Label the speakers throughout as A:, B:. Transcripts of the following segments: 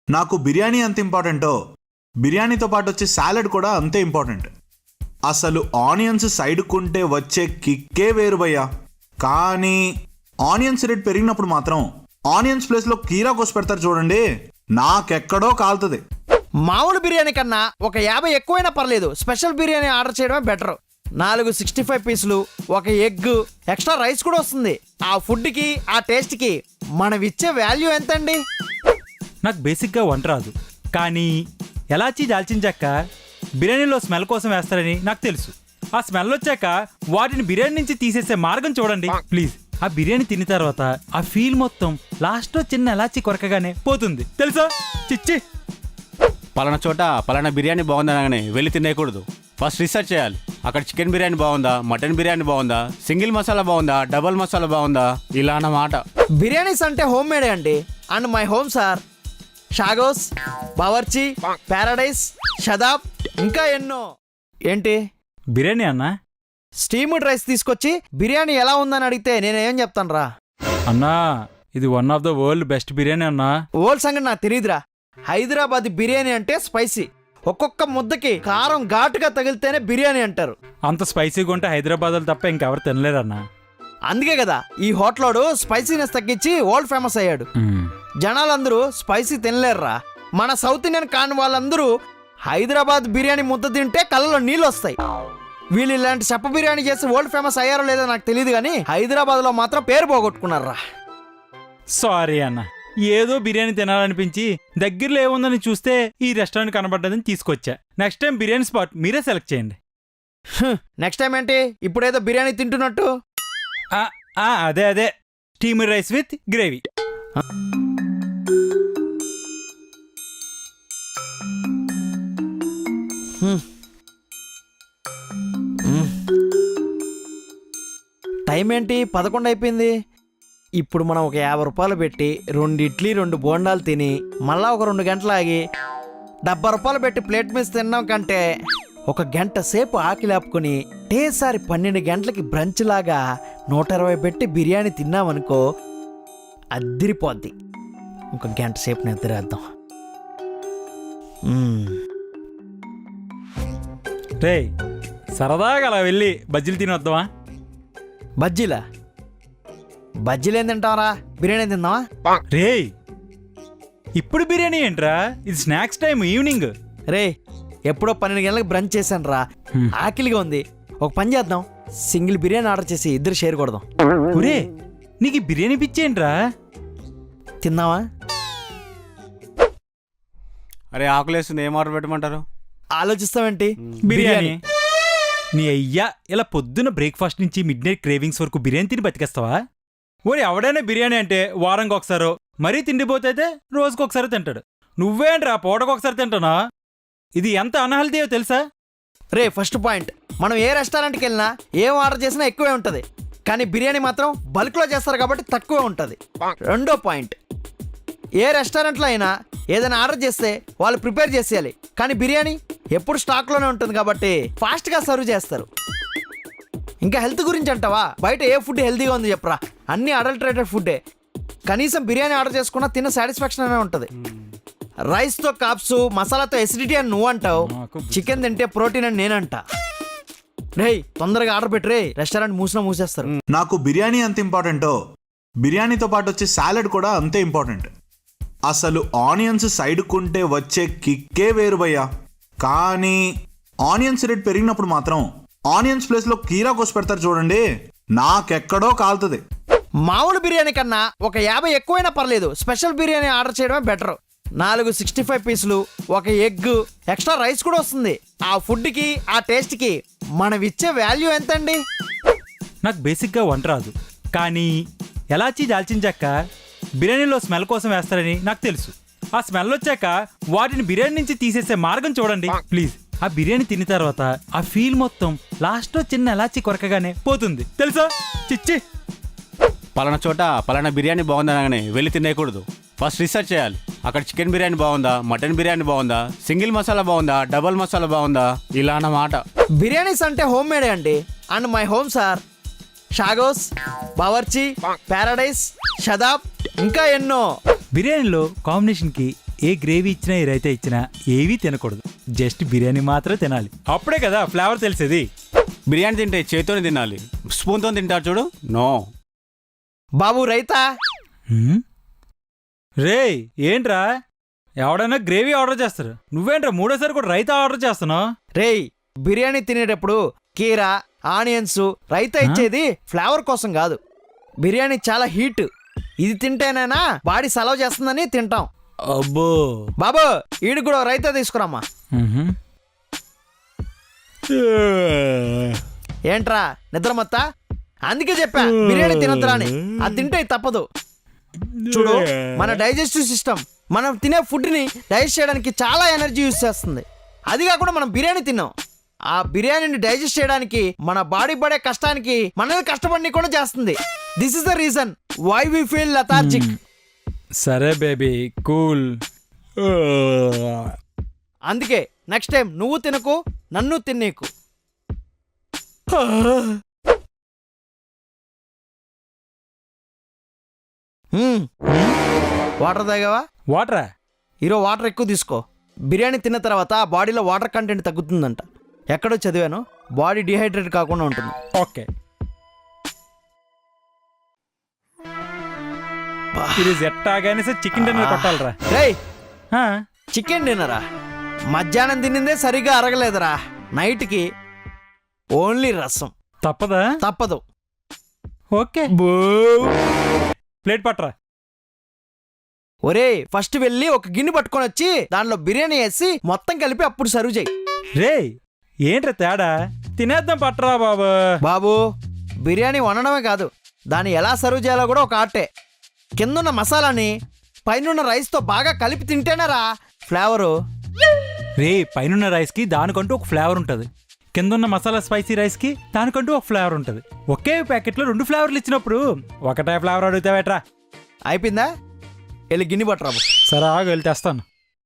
A: నాకు బిర్యానీ ఎంత ఇంపార్టెంటో బిర్యానీతో పాటు వచ్చే సాలడ్ కూడా అంతే ఇంపార్టెంట్. అసలు ఆనియన్స్ సైడ్కుంటే వచ్చే కిక్కే వేరు భయ్యా. కానీ ఆనియన్స్ రేట్ పెరిగినప్పుడు మాత్రం ఆనియన్స్ ప్లేస్లో కీరా కోసి పెడతారు చూడండి, నాకెక్కడో కాలుతుంది.
B: మామూలు బిర్యానీ కన్నా ఒక 50 ఎక్కువైనా పర్లేదు, స్పెషల్ బిర్యానీ ఆర్డర్ చేయడమే బెటర్. 4 65 పీసులు, ఒక ఎగ్, ఎక్స్ట్రా రైస్ కూడా వస్తుంది. ఆ ఫుడ్కి ఆ టేస్ట్కి మనం ఇచ్చే వాల్యూ ఎంతండి?
C: నాకు బేసిక్గా వంట రాదు, కానీ ఎలాచీ దాల్చిన చెక్క బిర్యానీలో స్మెల్ కోసం వేస్తారని నాకు తెలుసు. ఆ స్మెల్ వచ్చాక వాటిని బిర్యానీ నుంచి తీసేసే మార్గం చూడండి ప్లీజ్. ఆ బిర్యానీ తిన్న తర్వాత ఆ ఫీల్ మొత్తం లాస్ట్లో చిన్న ఎలాచీ కొరకగానే పోతుంది తెలుసా. చిచ్చి,
D: పలానా చోట పలానా బిర్యానీ బాగుందనగానే వెళ్ళి తినేయకూడదు. ఫస్ట్ రీసెర్చ్ చేయాలి. అక్కడ చికెన్ బిర్యానీ బాగుందా, మటన్ బిర్యానీ బాగుందా, సింగిల్ మసాలా బాగుందా, డబల్ మసాలా బాగుందా, ఇలా అన్నమాట.
B: బిర్యానీస్ అంటే హోమ్ మేడే అండి. అండ్ మై హోమ్ సార్ షాగోస్, బావర్చి, ప్యారడైస్, షదాబ్, ఇంకా ఎన్నో. ఏంటి
C: బిర్యానీ అన్నా?
B: స్టీమ్డ్ రైస్ తీసుకొచ్చి బిర్యానీ ఎలా ఉందని అడిగితే నేనేం చెప్తాను రా?
C: అన్నా ఇది one of the world best biryani అన్నా.
B: ఓల్డ్ సంగతి నాకు తెలియదురా. హైదరాబాద్ బిర్యానీ అంటే స్పైసీ, ఒక్కొక్క ముద్దకి కారం ఘాటుగా తగిలితేనే బిర్యానీ అంటారు.
C: అంత స్పైసీగా ఉంటే హైదరాబాద్లో తప్ప ఇంకెవరు తినలేరన్నా.
B: అందుకే కదా ఈ హోటలోడు స్పైసీనెస్ తగ్గించి వరల్డ్ ఫేమస్ అయ్యాడు. జనాలందరూ స్పైసీ తినలేరురా. మన సౌత్ ఇండియన్ కాని వాళ్ళందరూ హైదరాబాద్ బిర్యానీ ముద్ద తింటే కళ్ళలో నీళ్ళు వస్తాయి. వీళ్ళు ఇలాంటి చెప్ప బిర్యానీ చేసి వరల్డ్ ఫేమస్ అయ్యారో లేదో నాకు తెలియదు, కానీ హైదరాబాద్లో మాత్రం పేరు పోగొట్టుకున్నారా.
C: సారీ అన్న, ఏదో బిర్యానీ తినాలనిపించి దగ్గరలో ఏముందని చూస్తే ఈ రెస్టారెంట్ కనబడ్డదని తీసుకొచ్చా. నెక్స్ట్ టైం బిర్యానీ స్పాట్ మీరే సెలెక్ట్ చేయండి.
B: నెక్స్ట్ టైం ఏంటి? ఇప్పుడేదో బిర్యానీ తింటున్నట్టు.
C: అదే steamer rice with gravy.
B: Time ఏంటి? 11 అయిపోయింది. ఇప్పుడు మనం ఒక 50 రూపాయలు పెట్టి 2 ఇడ్లీ 2 బోండాలు తిని మళ్ళా ఒక 2 గంటలు ఆగి 70 రూపాయలు పెట్టి ప్లేట్ మీద తిన్నాం కంటే ఒక గంట సేపు ఆకలి ఆపుకొని ఒకేసారి 12 గంటలకి బ్రంచ్ లాగా 120 పెట్టి బిర్యానీ తిన్నామనుకో, అద్దిరిపోద్ది. ఒక గంట సేపు నిద్రేద్దాం.
C: రే సరదాగా అలా వెళ్ళి బజ్జీలు తినొద్దామా?
B: బజ్జీలా? బజ్జీలు ఏం తింటావరా? బిర్యానీ తిందామా?
C: రే ఇప్పుడు బిర్యానీ ఏంట్రా? ఇది స్నాక్స్ టైం, ఈవినింగ్.
B: రే ఎప్పుడో 12 గంటలకు బ్రంచ్ చేశాను రా, ఆకలిగా ఉంది. ఒక పని చేద్దాం, సింగిల్ బిర్యానీ ఆర్డర్ చేసి ఇద్దరు షేర్ కొడదాం.
C: ఒరే నీకు బిర్యానీ పిచ్చేంట్రా?
B: తిందామా?
D: అరే ఆకులేస్తుంది, ఏం ఆర్డర్ పెట్టమంటారు?
B: ఆలోచిస్తావేంటి?
C: బిర్యానీ. నీ అయ్యా ఇలా పొద్దున్న బ్రేక్ఫాస్ట్ నుంచి మిడ్ నైట్ క్రేవింగ్స్ వరకు బిర్యానీ తిని బతికేస్తావా? ఓరి ఎవడైనా బిర్యానీ అంటే వారంకి ఒకసారో, మరీ తిండిపోతే రోజుకొకసారి తింటాడు. నువ్వేంట్రా పూటకొకసారి తింటానా? ఇది ఎంత అన్హెల్తీయో తెలుసా?
B: రే ఫస్ట్ పాయింట్, మనం ఏ రెస్టారెంట్కి వెళ్ళినా ఏం ఆర్డర్ చేసినా ఎక్కువే ఉంటుంది, కానీ బిర్యానీ మాత్రం బల్క్లో చేస్తారు కాబట్టి తక్కువే ఉంటుంది. రెండో పాయింట్, ఏ రెస్టారెంట్లో అయినా ఏదైనా ఆర్డర్ చేస్తే వాళ్ళు ప్రిపేర్ చేసేయాలి, కానీ బిర్యానీ ఎప్పుడు స్టాక్లోనే ఉంటుంది కాబట్టి ఫాస్ట్గా సర్వ్ చేస్తారు. ఇంకా హెల్త్ గురించి అంటావా? బయట ఏ ఫుడ్ హెల్తీగా ఉంది చెప్పరా? అన్నీ అడల్టరేటెడ్ ఫుడ్డే. కనీసం బిర్యానీ ఆర్డర్ చేసుకున్నా తిన్న సాటిస్ఫాక్షన్ అనే ఉంటుంది. రైస్తో కాప్స్, మసాలాతో ఎసిడిటీ అని నువ్వు అంటావు, చికెన్ తింటే ప్రోటీన్ అని నేనంట. రే తొందరగా ఆర్డర్ పెట్టి రే, రెస్టారెంట్ మూసేస్తారు.
A: నాకు బిర్యానీ ఎంత ఇంపార్టెంటో బిర్యానీతో పాటు వచ్చే సాలడ్ కూడా అంతే ఇంపార్టెంట్. అసలు ఆనియన్స్ సైడ్కుంటే వచ్చే కిక్కే వేరు భయ్యా. కానీ ఆనియన్స్ రేట్ పెరిగినప్పుడు మాత్రం ఆనియన్స్ ప్లేస్లో కీరా కోసి పెడతారు చూడండి, నాకెక్కడో కాలుతుంది.
B: మామూలు బిర్యానీ కన్నా ఒక 50 ఎక్కువైనా పర్లేదు, స్పెషల్ బిర్యానీ ఆర్డర్ చేయడమే బెటర్. 4 65 పీసులు, ఒక ఎగ్, ఎక్స్ట్రా రైస్ కూడా వస్తుంది. ఆ ఫుడ్కి ఆ టేస్ట్కి మనం ఇచ్చే వాల్యూ ఎంతండి?
C: నాకు బేసిక్గా వంట రాదు, కానీ ఎలాచీ దాల్చిన చెక్క బిర్యానీలో స్మెల్ కోసం వేస్తారని నాకు తెలుసు. ఆ స్మెల్ వచ్చాక వాటిని బిర్యానీ నుంచి తీసేసే మార్గం చూడండి ప్లీజ్. ఆ బిర్యానీ తిన్న తర్వాత ఆ ఫీల్ మొత్తం లాస్ట్లో చిన్న ఎలాచీ కొరకగానే పోతుంది తెలుసా. చిచ్చి,
D: పలానా చోట పలానా బిర్యానీ బాగుందనగానే వెళ్ళి తినేయకూడదు. ఫస్ట్ రీసెర్చ్ చేయాలి. అక్కడ చికెన్ బిర్యానీ బాగుందా, మటన్ బిర్యానీ బాగుందా, సింగిల్ మసాలా బాగుందా, డబల్ మసాలా బాగుందా, ఇలా అన్నమాట.
B: బిర్యానీస్ అంటే హోమ్ మేడే అండి. అండ్ మై హోమ్ సార్ షాగోస్, బావర్చి, ప్యారడైస్, షదాబ్, ఇంకా ఎన్నో.
C: బిర్యానీలో కాంబినేషన్కి ఏ గ్రేవీ ఇచ్చినా ఏ రైతా ఇచ్చినా ఏవీ తినకూడదు, జస్ట్ బిర్యానీ మాత్రమే తినాలి. అప్పుడే కదా ఫ్లేవర్ తెలిసేది.
D: బిర్యానీ తింటే చేతితోనే తినాలి, స్పూన్తో తింటారు చూడు, నో.
B: బాబు రైతా.
C: రేయ్ ఏంట్రా, ఎవడైనా గ్రేవీ ఆర్డర్ చేస్తారు, నువ్వేంట్రా మూడోసారి కూడా రైతా ఆర్డర్ చేస్తున్నావు?
B: రేయ్ బిర్యానీ తినేటప్పుడు కీరా, ఆనియన్స్, రైతా ఇచ్చేది ఫ్లేవర్ కోసం కాదు. బిర్యానీ చాలా హీట్, ఇది తింటేనైనా బాడీ సలవ్ చేస్తుందని తింటాం.
C: అబ్బో.
B: బాబు ఈడికి కూడా రైతా తీసుకురామ్మా. ఏంట్రా నిద్ర మొత్తా? అందుకే చెప్పా బిర్యానీ తినద్దురా అని. అది తింటే తప్పదు. చూడు, మన డైజెస్టివ్ సిస్టమ్ మనం తినే ఫుడ్ని డైజెస్ట్ చేయడానికి చాలా ఎనర్జీ యూజ్ చేస్తుంది. అది కాకుండా మనం బిర్యానీ తిన్నాం, ఆ బిర్యానీని డైజెస్ట్ చేయడానికి మన బాడీ పడే కష్టానికి మనల్ని కష్టపడి కూడా చేస్తుంది. This is the reason why we feel lethargic.
C: సరే బేబీ, కూల్.
B: అందుకే నెక్స్ట్ టైం నువ్వు తినకు, నన్ను తినేకు. వాటర్ తాగావా?
C: వాటరా?
B: ఈరోజు వాటర్ ఎక్కువ తీసుకో. బిర్యానీ తిన్న తర్వాత బాడీలో వాటర్ కంటెంట్ తగ్గుతుందంట. ఎక్కడో చదివాను, బాడీ డిహైడ్రేట్ కాకుండా ఉంటుంది.
C: ఓకే. ఇది ఎట్టాగానే సార్ చికెన్ డిన్నర్ కొట్టాలరా.
B: రేయ్ చికెన్ డిన్నరా? మధ్యాహ్నం తినిందే సరిగా అరగలేదురా. నైట్కి ఓన్లీ రసం.
C: తప్పదా?
B: తప్పదు.
C: ఓకే, ప్లేట్ పట్టరా.
B: ఒరే ఫస్ట్ వెళ్ళి ఒక గిన్నె పట్టుకొని వచ్చి దానిలో బిర్యానీ వేసి మొత్తం కలిపి అప్పుడు సర్వ్ చేయి.
C: రేయ్ ఏంట్రా తేడా? తినేద్దాం పట్టరా బాబు.
B: బాబు బిర్యానీ వండడమే కాదు, దాన్ని ఎలా సర్వ్ చేయాలో కూడా ఒక ఆర్టే. కిందున్న మసాలాని పైనున్న రైస్తో బాగా కలిపి తింటేనరా ఫ్లేవరు.
C: రే పైనున్న రైస్కి దానికంటూ ఒక ఫ్లేవర్ ఉంటుంది, కిందున్న మసాలా స్పైసీ రైస్కి దానికంటూ ఒక ఫ్లేవర్ ఉంటుంది. ఒకే ప్యాకెట్లో 2 ఫ్లేవర్లు ఇచ్చినప్పుడు ఒకటే ఫ్లేవర్ అడుగుతావేట్రా?
B: అయిపోయిందా? వెళ్ళి గిన్నె పట్టరాబు.
C: సరే ఆగు, వెళ్ళి తెస్తాను.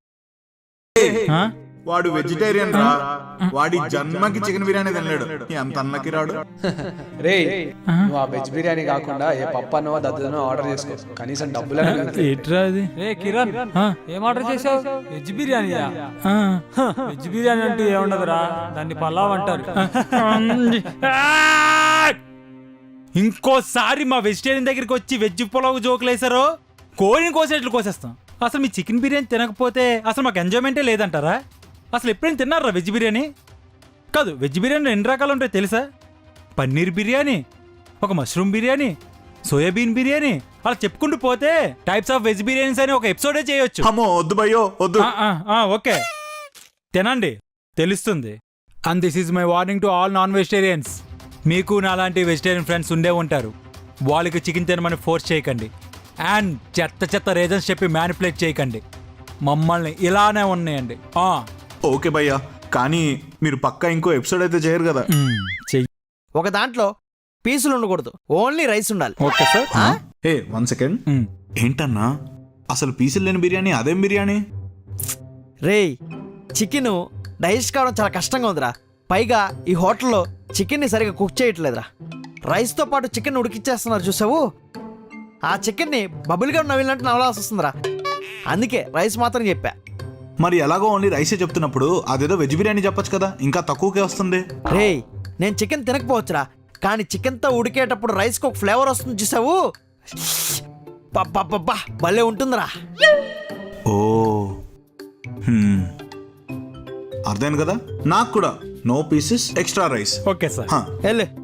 A: వాడు వెజిటేరియన్ రా, వాడి జన్మకి చికెన్ బిర్యానీ తినలేడు, ఎంత అన్నకి రాడు.
E: రే నువ్వు ఆ వెజ్ బిర్యానీ కాకుండా ఏ పప్పనో దద్దనో ఆర్డర్ చేసుకో, కనీసం డబ్బులు
C: ఏంట్రా అది?
F: రే కిరణ్, ఏం ఆర్డర్ చేసావు? వెజ్ బిర్యానీయా? వెజ్ బిర్యానీ అంటే ఏముండదురా, దాన్ని పలావ్ అంటారు.
C: ఇంకోసారి మా వెజిటేరియన్ దగ్గరికి వచ్చి వెజ్ పులావ్ జోకులు వేసారో కోడిని కోసేట్లు కోసేస్తాం. అసలు మీ చికెన్ బిర్యానీ తినకపోతే అసలు మాకు ఎంజాయ్మెంటే లేదంటారా? అసలు ఎప్పుడైనా తిన్నారా వెజ్ బిర్యానీ? కాదు, వెజ్ బిర్యానీ 2 రకాలు ఉంటాయి తెలుసా? పన్నీర్ బిర్యానీ, ఒక మష్రూమ్ బిర్యానీ, సోయాబీన్ బిర్యానీ, అలా చెప్పుకుంటూ పోతే టైప్స్ ఆఫ్ వెజ్ బిర్యానీస్ అని ఒక ఎపిసోడే చేయొచ్చు.
A: అమ్మో వద్దు భయ్యో వద్దు.
C: ఓకే తినండి, తెలుస్తుంది. And this is my warning to all non vegetarians. మీకు నాలాంటి వెజిటేరియన్ ఫ్రెండ్స్ ఉండే ఉంటారు, వాళ్ళకి చికెన్ తినమని ఫోర్స్ చేయకండి. అండ్ చెత్త రీజన్స్ చెప్పి మ్యానిపులేట్ చేయకండి. మమ్మల్ని ఇలానే ఉన్నాయండి.
A: ఓకే భయ్యా, కానీ మీరు పక్కా ఇంకో ఎపిసోడ్ అయితే చేయరు కదా?
C: చెయ్యి.
B: ఒక దాంట్లో పీసులు ఉండకూడదు, ఓన్లీ రైస్ ఉండాలి.
C: Okay sir.
A: ఏ 1 సెకండ్, ఏంటన్నా అసలు పీసులు లేని బిర్యానీ అదేం బిర్యానీ?
B: రేయ్ చికెన్ డైజెస్ట్ కావడం చాలా కష్టంగా ఉందిరా. పైగా ఈ హోటల్లో చికెన్ని సరిగా కుక్ చేయట్లేదురా. రైస్తో పాటు చికెన్ ఉడికిచ్చేస్తున్నారు చూసావు, ఆ చికెన్ని బబుల్గా నవ్వినట్టు నవ్వాల్సి వస్తుందిరా. అందుకే రైస్ మాత్రం చెప్పా.
A: మరి ఎలాగో ఓన్లీ రైసే చెప్తున్నప్పుడు అదేదో వెజ్ బిర్యానీ చెప్పొచ్చు కదా, ఇంకా తక్కువకే వస్తుంది.
B: రేయ్ నేను చికెన్ తినకపోవచ్చురా, కానీ చికెన్తో ఉడికేటప్పుడు రైస్కి ఒక ఫ్లేవర్ వస్తుంది చూసావు, పబ్బా భలే ఉంటుందిరా.
A: ఓ అర్థమైంది కదా, నాకు కూడా no pieces extra rice.
C: Okay sir.
B: వెళ్ళు.